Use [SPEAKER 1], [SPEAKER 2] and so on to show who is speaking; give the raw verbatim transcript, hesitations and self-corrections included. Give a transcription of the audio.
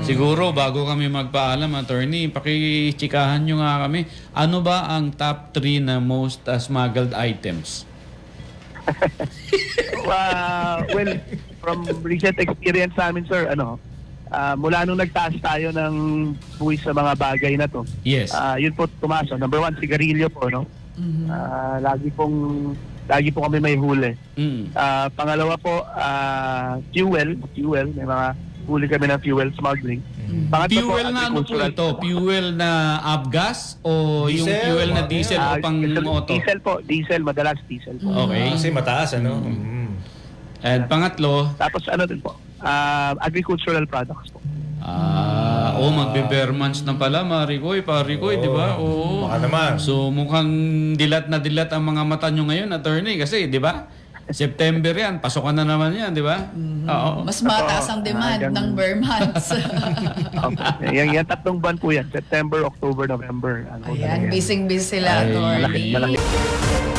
[SPEAKER 1] Siguro, bago kami magpaalam, attorney, pakichikahan nyo nga kami. Ano ba ang top three na most uh, smuggled items?
[SPEAKER 2] Uh, well, from recent experience namin, sir, ano, ah, mula nung nagtaas tayo ng buwis sa mga bagay na to,
[SPEAKER 1] Yes.
[SPEAKER 2] ah, yun po tumaas. No? Number one, sigarilyo po, no? Ah, lagi pong, lagi po kami may huli.
[SPEAKER 1] Mm.
[SPEAKER 2] Ah, pangalawa po, ah, fuel, fuel, may mga huli kami ng fuel smuggling. Pangatlo
[SPEAKER 1] Fuel na ano po
[SPEAKER 2] agricultural-
[SPEAKER 1] ito? Fuel na avgas o yung
[SPEAKER 3] Diesel,
[SPEAKER 1] fuel na
[SPEAKER 3] mga
[SPEAKER 1] diesel
[SPEAKER 2] Ah,
[SPEAKER 1] o pang
[SPEAKER 2] diesel,
[SPEAKER 1] auto?
[SPEAKER 2] diesel po, diesel, madalas diesel po.
[SPEAKER 1] Okay.
[SPEAKER 3] Kasi mataas, ano? Mm.
[SPEAKER 1] And pangatlo,
[SPEAKER 2] Tapos ano din po, ah, agricultural products po.
[SPEAKER 1] ah, oh, magbe-Bermans na pala, Marikoy, Parikoy, di ba? Oo.
[SPEAKER 3] Baka naman.
[SPEAKER 1] So mukhang dilat na dilat ang mga mata nyo ngayon, attorney, kasi, di ba? September yan, pasokan na naman yan, di ba? Oo.
[SPEAKER 4] Mas mataas ang demand
[SPEAKER 2] hanggang-
[SPEAKER 4] ng Burmans.
[SPEAKER 2] Okay. Yan, yan tatlong buwan po yan, September, October, November. Ano,
[SPEAKER 4] Ayan,
[SPEAKER 2] talaga yan.
[SPEAKER 4] busy-busy sila,
[SPEAKER 1] Ay,
[SPEAKER 4] attorney.
[SPEAKER 2] malaki- malaki.